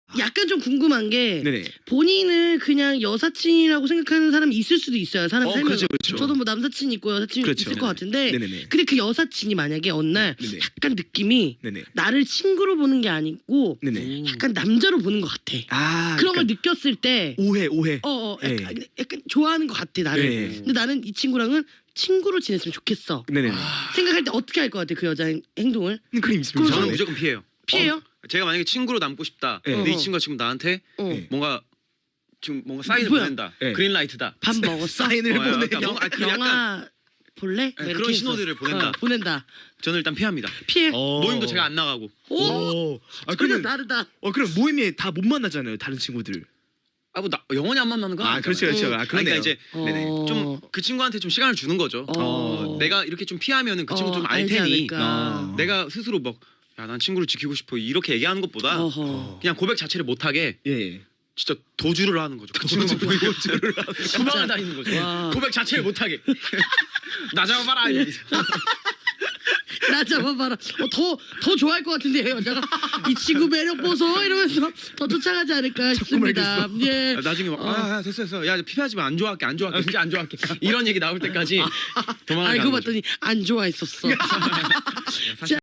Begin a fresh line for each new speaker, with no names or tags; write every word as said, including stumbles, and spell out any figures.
약간 좀 궁금한 게
네네.
본인을 그냥 여사친이라고 생각하는 사람이 있을 수도 있어요. 사람
어,
살면서.
그렇죠, 그렇죠.
저도 뭐 남사친 있고 여사친
그렇죠.
있을 것 같은데
네네네.
근데 그 여사친이 만약에 어느 날
네네.
약간 느낌이
네네.
나를 친구로 보는 게 아니고
네네.
약간 남자로 보는 것 같아.
아,
그런 걸
그러니까
느꼈을 때
오해 오해.
어, 어 약간,
네.
약간 좋아하는 것 같아 나를.
네.
근데 나는 이 친구랑은 친구로 지냈으면 좋겠어.
네네.
생각할 때 어떻게 할 것 같아 그 여자의 행동을?
그림 있습니다.
그럼
저는
네.
무조건 피해요.
피해요?
어, 제가 만약에 친구로 남고 싶다.
네.
근데 이
어.
친구가 지금 나한테
어.
네.
뭔가 지금 뭔가 사인을
뭐야?
보낸다.
네.
그린라이트다.
밥 먹었어?
사인을
어,
보내.
약간 뭔가 아, 그
영화
약간
볼래?
네,
뭐 이렇게
그런
해서.
신호들을 보낸다.
어, 보낸다.
저는 일단 피합니다.
피해.
어.
모임도 제가 안 나가고.
오,
오. 아,
전혀
그러면
다르다.
어 그럼 모임에 다 못 만나잖아요. 다른 친구들.
아 뭐 나, 영원히 안 만나는 건
아,
아니잖아요.
그렇죠, 그렇죠.
음.
아,
아니,
그러네요.
그러니까 이제
네네.
어.
좀 그 친구한테 좀 시간을 주는 거죠.
어.
어, 내가 이렇게 좀 피하면은 그 친구
어,
좀 알
알지
테니
않을까.
어.
내가 스스로 막 야 난 친구를 지키고 싶어 이렇게 얘기하는 것보다
어허.
그냥 고백 자체를 못하게
예.
진짜 도주를 하는 거죠. 그 친구만 보이고 도망을 다니는 거죠.
와.
고백 자체를 못하게 나 잡아봐라 이러면서.
나 잡아봐라. 어, 더, 더 좋아할 것 같은데 여자가 이 친구 매력 보소 이러면서 더 쫓아가지 않을까 싶습니다. 예.
아, 나중에 막 아, 야, 됐어 됐어 야 피하지 마 안 좋아할게 안 좋아할게 진짜 안 좋아할게 이런 얘기 나올 때까지 도망을
알고
가는 거죠.
봤더니 안 좋아했었어.
사실